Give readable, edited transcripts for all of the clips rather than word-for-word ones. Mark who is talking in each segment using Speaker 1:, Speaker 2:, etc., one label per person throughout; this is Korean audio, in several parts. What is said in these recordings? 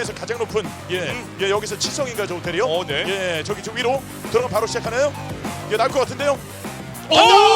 Speaker 1: 국내에서 가장 높은 예, 여기서 치성인가 저 호텔이요?
Speaker 2: 네.
Speaker 1: 예, 저기 저 위로 들어가 바로 시작하나요? 예, 나올 것 같은데요.
Speaker 2: 오!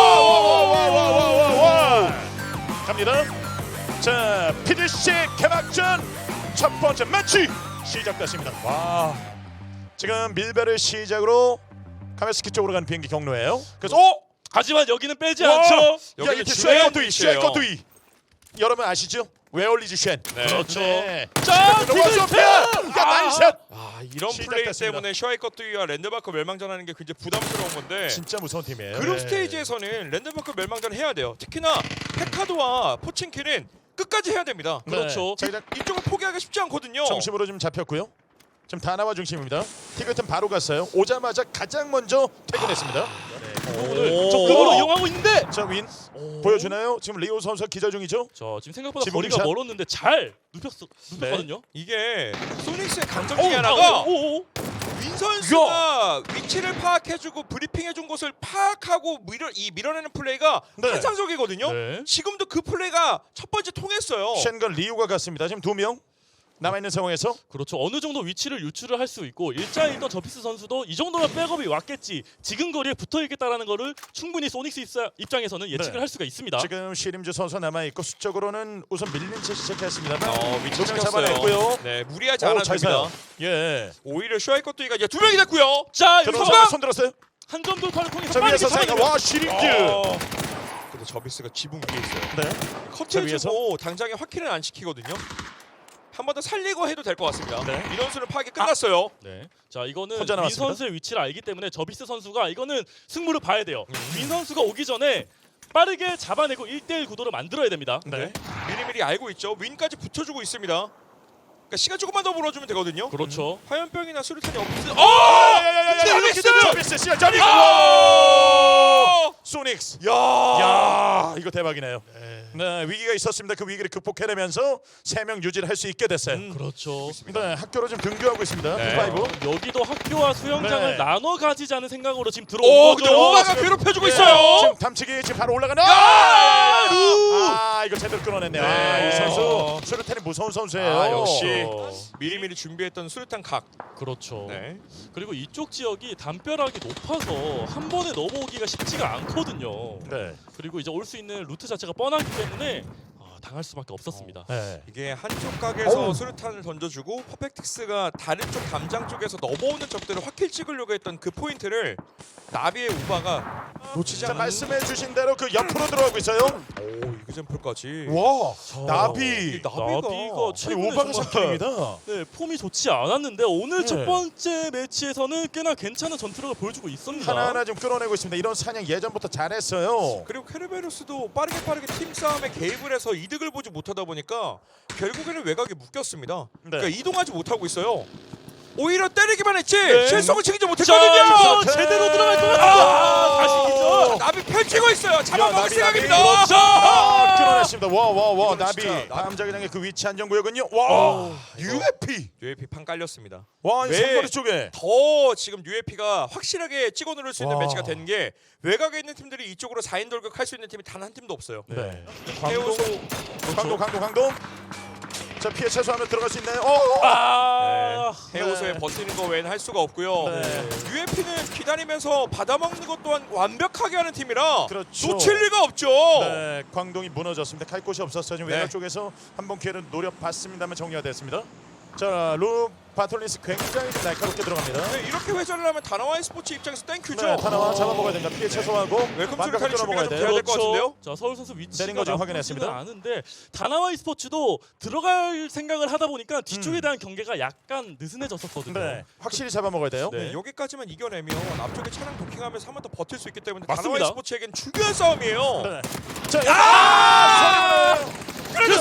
Speaker 1: 와! 갑니다. 자, PDC 개막전 첫 번째 매치 시작됐습니다. 와, 지금 밀배를 시작으로 카메스키 쪽으로 가는 비행기 경로예요. 그래서
Speaker 3: 하지만 여기는 빼지
Speaker 1: 와!
Speaker 3: 않죠.
Speaker 1: 야,
Speaker 2: 여기는
Speaker 1: 이렇게
Speaker 2: 주행
Speaker 1: 쉐이커두이,
Speaker 2: 위치예요.
Speaker 1: 쉐이커두이. 여러분 아시죠? 웨얼리즈 쉔.
Speaker 2: 네.
Speaker 3: 그렇죠.
Speaker 1: 네.
Speaker 3: 자,
Speaker 1: 디그스피아! 야, 나이샷!
Speaker 2: 이런 플레이
Speaker 1: 시작됐습니다.
Speaker 2: 때문에 슈아이커트와 랜드마크 멸망전하는 게 굉장히 부담스러운 건데
Speaker 1: 진짜 무서운 팀이에요.
Speaker 2: 그룹
Speaker 1: 네.
Speaker 2: 스테이지에서는 랜드마크 멸망전 해야 돼요. 특히나 페카도와 포친키는 끝까지 해야 됩니다.
Speaker 1: 네.
Speaker 3: 그렇죠.
Speaker 1: 자, 일단
Speaker 2: 이쪽을 포기하기 쉽지 않거든요.
Speaker 1: 중심으로 좀 잡혔고요. 지금 다나와 중심입니다. 티그튼 바로 갔어요. 오자마자 가장 먼저 퇴근했습니다.
Speaker 3: 그 부분을 적극으로 이용하고 있는데.
Speaker 1: 자, 윈 보여주나요? 지금 리오 선수 기자 중이죠?
Speaker 3: 자, 지금 생각보다
Speaker 1: 지붕
Speaker 3: 거리가
Speaker 1: 샷.
Speaker 3: 멀었는데 잘 눕혔거든요.
Speaker 2: 이게 소닉스의 강점 중에 하나가 윈 선수가 위치를 파악해주고 브리핑해준 곳을 파악하고 밀어내는 플레이가
Speaker 1: 네.
Speaker 2: 환상적이거든요.
Speaker 3: 네.
Speaker 2: 지금도 그 플레이가 첫 번째 통했어요.
Speaker 1: 쉔건 리오가 갔습니다. 지금 2명 남아있는 상황에서
Speaker 3: 그렇죠. 어느 정도 위치를 유출을 할 수 있고 일자일던 저피스 선수도 이 정도면 백업이 왔겠지. 지금 거리에 붙어 있겠다라는 거를 충분히 소닉스 입장에서는 예측을
Speaker 1: 네.
Speaker 3: 할 수가 있습니다.
Speaker 1: 지금 시림즈 선수 남아있고 수적으로는 우선 밀린 채 시작했습니다만
Speaker 2: 위치
Speaker 1: 두명
Speaker 2: 지켰어요.
Speaker 1: 잡아냈고요.
Speaker 2: 네, 무리하지
Speaker 1: 오,
Speaker 2: 않아도
Speaker 1: 잘
Speaker 2: 됩니다.
Speaker 1: 사요. 예.
Speaker 2: 오히려 슈아이커트가 이제 2명이 됐고요.
Speaker 3: 자,
Speaker 1: 들어오서
Speaker 3: 여기서
Speaker 1: 손 들었어요.
Speaker 3: 한점 돌파를 통해서
Speaker 1: 자,
Speaker 3: 빠르게
Speaker 1: 위에서 사이가
Speaker 3: 잡아냅니다.
Speaker 1: 와 시림즈.
Speaker 2: 근데 저비스가 지붕 위에 있어요.
Speaker 1: 네.
Speaker 2: 커트해주고 당장에 확킬은 안 시키거든요. 한 번 더 살리고 해도 될 것 같습니다.
Speaker 1: 네.
Speaker 2: 민원수는 파악이 끝났어요.
Speaker 3: 네. 자, 이거는
Speaker 1: 혼자
Speaker 3: 윈
Speaker 1: 나왔습니다.
Speaker 3: 선수의 위치를 알기 때문에 저비스 선수가 이거는 승부를 봐야 돼요. 윈 선수가 오기 전에 빠르게 잡아내고 1대1 구도를 만들어야 됩니다.
Speaker 1: 네.
Speaker 2: 미리미리 알고 있죠. 윈까지 붙여주고 있습니다. 그러니까 시간 조금만 더 벌어주면 되거든요.
Speaker 3: 그렇죠.
Speaker 2: 화염병이나 수류탄이 없으면
Speaker 1: 야야야야야.
Speaker 2: 저비스!
Speaker 1: 저비스 시작. 저비스.
Speaker 2: 오!
Speaker 1: 소닉스.
Speaker 2: 야!
Speaker 1: 야, 이거 대박이네요. 네, 위기가 있었습니다. 그 위기를 극복해내면서 3명 유지를 할 수 있게 됐어요.
Speaker 3: 그렇죠.
Speaker 1: 네, 학교로 지금 등교하고 있습니다.
Speaker 2: 네.
Speaker 1: 파이브.
Speaker 3: 여기도 학교와 수영장을
Speaker 1: 네.
Speaker 3: 나눠 가지자는 생각으로 지금
Speaker 2: 오,
Speaker 3: 들어온
Speaker 2: 근데
Speaker 3: 거죠.
Speaker 2: 오바가 괴롭혀주고
Speaker 1: 예,
Speaker 2: 있어요.
Speaker 1: 지금 담치기 지금 바로 올라가는. 이거 제대로 끊어냈네요.
Speaker 2: 네.
Speaker 1: 이 선수 수류탄이 무서운 선수예요.
Speaker 2: 역시 미리미리 준비했던 수류탄 각.
Speaker 3: 그렇죠.
Speaker 2: 네.
Speaker 3: 그리고 이쪽 지역이 담벼락이 높아서 한 번에 넘어오기가 쉽지가 않거든요.
Speaker 1: 네.
Speaker 3: 그리고 이제 올 수 있는 루트 자체가 뻔하기 때문에 당할 수밖에 없었습니다.
Speaker 1: 네.
Speaker 2: 이게 한쪽 각에서
Speaker 1: 어우.
Speaker 2: 수류탄을 던져주고 퍼펙틱스가 다른 쪽 담장 쪽에서 넘어오는 적들을 확킬 찍으려고 했던 그 포인트를 나비의 우바가 놓치지
Speaker 1: 자,
Speaker 2: 않는.
Speaker 1: 말씀해주신 대로 그 옆으로 들어가고 있어요.
Speaker 2: 오, 이그젠플까지.
Speaker 1: 와, 나비.
Speaker 2: 이 나비가
Speaker 3: 나비가
Speaker 1: 아니,
Speaker 3: 최근에
Speaker 1: 오바가
Speaker 3: 정말
Speaker 1: 샷입니다.
Speaker 3: 네, 폼이 좋지 않았는데 오늘
Speaker 1: 네.
Speaker 3: 첫 번째 매치에서는 꽤나 괜찮은 전투력을 보여주고 있습니다.
Speaker 1: 하나하나 좀 끌어내고 있습니다. 이런 사냥 예전부터 잘했어요.
Speaker 2: 그리고 케르베로스도 빠르게 팀 싸움에 개입을 해서 이득을 보지 못하다 보니까 결국에는 외곽에 묶였습니다.
Speaker 1: 네.
Speaker 2: 그러니까 이동하지 못하고 있어요. 오히려 때리기만 했지
Speaker 3: 네.
Speaker 2: 실속을 챙기지
Speaker 3: 자,
Speaker 2: 못했거든요.
Speaker 3: 이거 제대로 들어갈 거면 다시 기죠.
Speaker 2: 나비 펼치고 있어요. 잡아먹을
Speaker 1: 나비,
Speaker 2: 생각입니다.
Speaker 1: 나비.
Speaker 3: 그렇죠.
Speaker 1: 끌어냈습니다. 와,
Speaker 2: 이거는
Speaker 1: 나비.
Speaker 2: 진짜
Speaker 1: 다음 자기장의 그 위치 안전구역은요. 와, UFP.
Speaker 2: UAP 판 깔렸습니다.
Speaker 1: 와, 이
Speaker 2: 왜?
Speaker 1: 삼거리 쪽에.
Speaker 2: 더 지금 UAP가 확실하게 찍어 누를 수 있는
Speaker 1: 와.
Speaker 2: 매치가 된 게 외곽에 있는 팀들이 이쪽으로 4인 돌격할 수 있는 팀이 단 한 팀도 없어요.
Speaker 1: 네.
Speaker 2: 해우소
Speaker 1: 강동. 자, 피해 최소화하면 들어갈 수 있나요?
Speaker 2: 해우소에
Speaker 1: 네.
Speaker 2: 버티는 거 외에는 할 수가 없고요.
Speaker 1: 네.
Speaker 2: UAP는 기다리면서 받아먹는 것 또한 완벽하게 하는 팀이라
Speaker 1: 그렇죠.
Speaker 2: 놓칠 리가 없죠.
Speaker 1: 네, 광동이 무너졌습니다. 갈 곳이 없었어요. 지금
Speaker 2: 네.
Speaker 1: 외곽 쪽에서 한번 기회를 노려봤습니다만 정리가 됐습니다. 자, 루 바톨린스 굉장히 좀 날카롭게 들어갑니다.
Speaker 2: 네, 이렇게 회전을 하면 다나와이 스포츠 입장에서 땡큐죠.
Speaker 1: 네, 타나와 잡아먹어야 된다. 피해 최소화하고
Speaker 2: 웰컴
Speaker 1: 완벽하게
Speaker 2: 수류탄이
Speaker 1: 끊어먹어야
Speaker 2: 준비가 좀
Speaker 1: 돼요.
Speaker 2: 돼야 될 것 같은데요?
Speaker 3: 자, 서울 선수 위치가
Speaker 1: 내린 거 지금
Speaker 3: 나쁘지는
Speaker 1: 확인했습니다.
Speaker 3: 않은데 다나와이 스포츠도 들어갈 생각을 하다 보니까 뒤쪽에 대한 경계가 약간 느슨해졌었거든요.
Speaker 1: 네, 확실히 잡아먹어야 돼요.
Speaker 3: 네.
Speaker 2: 여기까지만 이겨내면 앞쪽에 차량 도킹하면서 한 번 더 버틸 수 있기 때문에
Speaker 3: 맞습니다.
Speaker 2: 다나와이 스포츠에겐 중요한 싸움이에요.
Speaker 1: 네. 자,
Speaker 2: 그렇죠.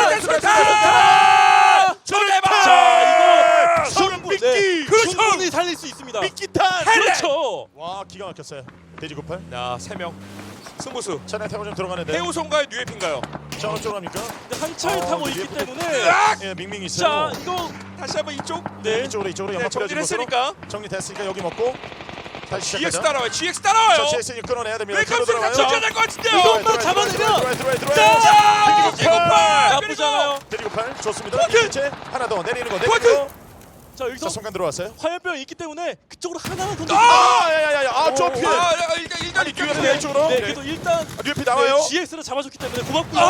Speaker 3: 자, 이거
Speaker 1: 서른
Speaker 3: 충분히,
Speaker 1: 미끼.
Speaker 3: 충분히 살릴 수 있습니다.
Speaker 1: 미끼탄.
Speaker 3: 그렇죠.
Speaker 1: 와, 기가 막혔어요. 돼지98.
Speaker 2: 자, 3명. 승부수.
Speaker 1: 차량 타고 좀 들어가는데.
Speaker 2: 해우소인가요? 뉴에핀가요?
Speaker 1: 자, 어쩌고 합니까?
Speaker 3: 근데 한 차를 타고 있기
Speaker 1: 예쁘게.
Speaker 3: 때문에
Speaker 1: 예, 밍밍
Speaker 3: 자,
Speaker 1: 있어요.
Speaker 3: 이거
Speaker 2: 다시 한번 이쪽.
Speaker 1: 네,
Speaker 3: 네.
Speaker 1: 이쪽으로
Speaker 2: 네,
Speaker 1: 연막 뿌려주고
Speaker 2: 정리했으니까.
Speaker 1: 정리됐으니까 여기 먹고. 다시
Speaker 2: GX
Speaker 1: 시작하자.
Speaker 2: 따라와요. GX 따라와요.
Speaker 1: 자, GS 끊어내야 됩니다.
Speaker 2: 웰컴스를
Speaker 1: 들어와요.
Speaker 2: 같이 해야 될것 같은데요.
Speaker 3: 이것만 잡아내면
Speaker 1: 들어와요.
Speaker 2: 자,
Speaker 1: 디지고 팔.
Speaker 3: 나쁘지 않아요.
Speaker 1: 데리고 팔 좋습니다.
Speaker 2: 포트!
Speaker 1: 이제 하나 더 내리는 거.
Speaker 2: 포트!
Speaker 1: 내리는 거.
Speaker 3: 자 여기서
Speaker 1: 자, 순간 들어왔어요.
Speaker 3: 화염병이 있기 때문에 그쪽으로 하나만 던져.
Speaker 1: 야야야야. 좀 피해.
Speaker 2: 일단
Speaker 1: 뉴에피 이쪽으로.
Speaker 3: 네, 그래도 일단
Speaker 1: 뉴에피 나와요.
Speaker 3: 네, GX를 잡아줬기 때문에 고맙고요.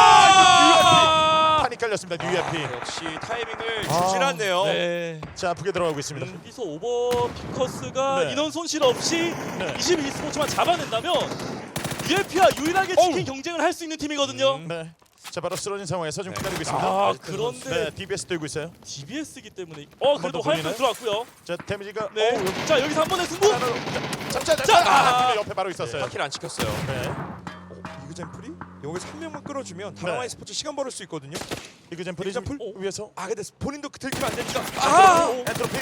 Speaker 1: 판이 깔렸습니다. 뉴에피.
Speaker 2: 역시 타이밍을 주질 않네요.
Speaker 3: 네.
Speaker 1: 자, 아프게 들어가고 있습니다.
Speaker 3: 여기서 오버 피커스가
Speaker 1: 네.
Speaker 3: 인원 손실 없이
Speaker 1: 네.
Speaker 3: 22 스포츠만 잡아낸다면 UFP와 유일하게 치킨 경쟁을 할 수 있는 팀이거든요.
Speaker 1: 네. 자, 바로 쓰러진 상황에서 지금
Speaker 2: 네.
Speaker 1: 기다리고 있습니다.
Speaker 3: 아
Speaker 2: 아직도
Speaker 3: 그런데
Speaker 1: 네, DBS 들고 있어요.
Speaker 3: DBS이기 때문에
Speaker 1: 번
Speaker 3: 그래도
Speaker 1: 더
Speaker 3: 화염병
Speaker 1: 돌리나요?
Speaker 3: 들어왔고요.
Speaker 1: 자, 데미지가
Speaker 3: 네.
Speaker 1: 여기
Speaker 3: 자 여기서 한 번의 승부.
Speaker 1: 잠깐.
Speaker 3: 자,
Speaker 1: 옆에 바로 있었어요.
Speaker 2: 바퀴를 안 지켰어요.
Speaker 1: 네.
Speaker 2: 이그젠플이 여기서 한 명만 끌어주면 다나와이 스포츠 시간 벌을 수 있거든요.
Speaker 1: 이그젠플이
Speaker 2: 이그젠플?
Speaker 1: 좀 위에서.
Speaker 2: 아 근데 본인도 들키면 안 되니까.
Speaker 1: 엔트로피.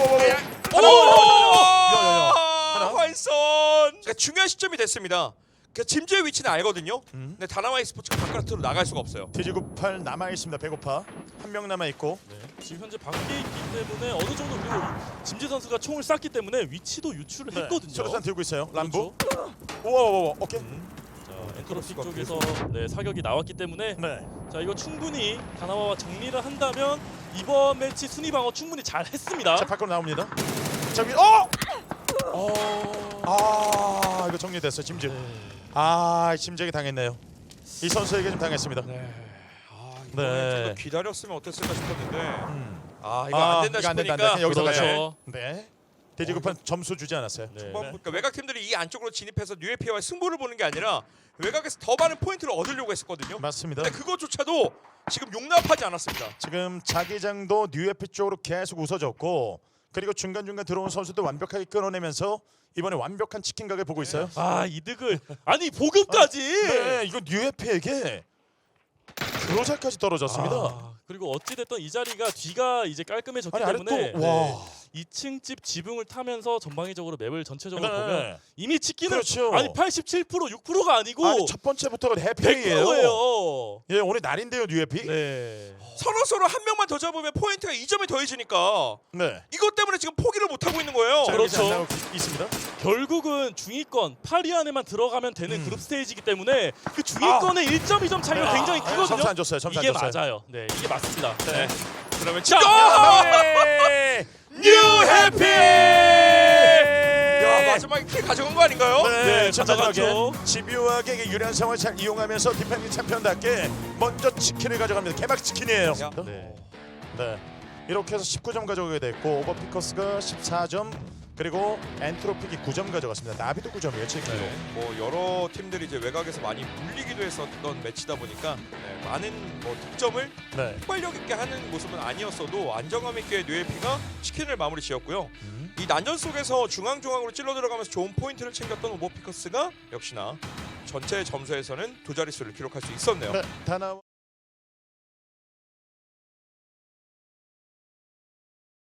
Speaker 1: 하나.
Speaker 2: 활선. 그러니까 중요한 시점이 됐습니다. 그 짐즈의 위치는 알거든요. 근데 다나와이 스포츠가 바깥으로 나갈 수가 없어요.
Speaker 1: 돼지고 팔 남아 있습니다. 배고파. 한 명 남아 있고.
Speaker 3: 네. 지금 현재 밖에 있기 때문에 어느 정도 그리고 짐재 선수가 총을 쐈기 때문에 위치도 유출을 했거든요.
Speaker 1: 수류탄 들고 있어요. 람보.
Speaker 3: 그렇죠.
Speaker 1: 우와. 오케이.
Speaker 3: 자 엔트로피
Speaker 2: 크로스가
Speaker 3: 쪽에서 네, 사격이 나왔기 때문에
Speaker 1: 네.
Speaker 3: 자 이거 충분히 다나와와 정리를 한다면 이번 매치 순위 방어 충분히 잘 했습니다.
Speaker 1: 자, 밖으로 나옵니다. 자, 위. 이거 정리됐어요. 짐즈. 짐즈에게 당했네요. 이 선수에게 좀 당했습니다.
Speaker 2: 이번에 좀더 기다렸으면 어땠을까 싶었는데 이거
Speaker 1: 아,
Speaker 2: 안 된다
Speaker 1: 이거 안 된다,
Speaker 2: 싶으니까
Speaker 1: 안 된다. 여기서
Speaker 3: 그렇죠.
Speaker 1: 가요. 네. 돼지고판 점수 주지 않았어요.
Speaker 3: 네.
Speaker 2: 그러니까 외곽 팀들이 이 안쪽으로 진입해서 뉴에피와의 승부를 보는 게 아니라 외곽에서 더 많은 포인트를 얻으려고 했었거든요.
Speaker 1: 맞습니다.
Speaker 2: 근데 그것조차도 지금 용납하지 않았습니다.
Speaker 1: 지금 자기장도 뉴에피 쪽으로 계속 웃어졌고 그리고 중간중간 들어온 선수도 완벽하게 끊어내면서 이번에 완벽한 치킨 가게 보고 있어요.
Speaker 3: 이득을 아니 보급까지.
Speaker 1: 네, 이거 뉴에피에게 그로자까지 떨어졌습니다.
Speaker 3: 그리고 어찌 됐든 이 자리가 뒤가 이제 깔끔해졌기
Speaker 1: 아니 아래
Speaker 3: 때문에
Speaker 1: 또 와.
Speaker 3: 2층 집 지붕을 타면서 전방위적으로 맵을 전체적으로
Speaker 1: 네.
Speaker 3: 보면 이미 치킨은
Speaker 1: 그렇죠.
Speaker 3: 아니 87% 6%가 아니고
Speaker 1: 아니 첫 번째부터가 해피예요.
Speaker 3: 100%예요.
Speaker 1: 예, 오늘 날인데요, 뉴에피.
Speaker 3: 네.
Speaker 2: 서로 한 명만 더 잡으면 포인트가 2점이 더해지니까
Speaker 1: 네.
Speaker 2: 이것 때문에 지금 포기를 못 하고 있는 거예요.
Speaker 1: 자,
Speaker 3: 그렇죠.
Speaker 1: 여기서 안 나오고 있습니다.
Speaker 3: 결국은 중위권 8위 안에만 들어가면 되는 그룹 스테이지이기 때문에 그 중위권의 1.2점 차이가 굉장히 크거든요.
Speaker 1: 점수 안 줬어요. 점수
Speaker 3: 이게
Speaker 1: 안 줬어요.
Speaker 3: 맞아요. 네, 이게 맞습니다.
Speaker 1: 네.
Speaker 2: 그러면
Speaker 3: 자,
Speaker 1: 뉴해피!
Speaker 2: 야 마지막에 킬 가져간 거 아닌가요?
Speaker 1: 네,
Speaker 3: 가져갔죠.
Speaker 1: 마지막에 집요하게 유리한 상황을 잘 이용하면서 디펜딩 챔피언답게 먼저 치킨을 가져갑니다. 개막 치킨이에요.
Speaker 2: 야.
Speaker 3: 네.
Speaker 1: 네. 이렇게 해서 19점 가져가게 됐고 오버피커스가 14점 그리고 엔트로픽이 9점 가져갔습니다. 나비도 9점이에요. 치킨으로.
Speaker 2: 뭐 여러 팀들이 이제 외곽에서 많이 물리기도 했었던 매치다 보니까 많은 뭐 득점을
Speaker 1: 네.
Speaker 2: 폭발력 있게 하는 모습은 아니었어도 안정감 있게 뉴에피가 치킨을 마무리 지었고요. 이 난전 속에서 중앙으로 찔러 들어가면서 좋은 포인트를 챙겼던 오버피커스가 역시나 전체 점수에서는 두 자릿수를 기록할 수 있었네요.
Speaker 1: 네. 다나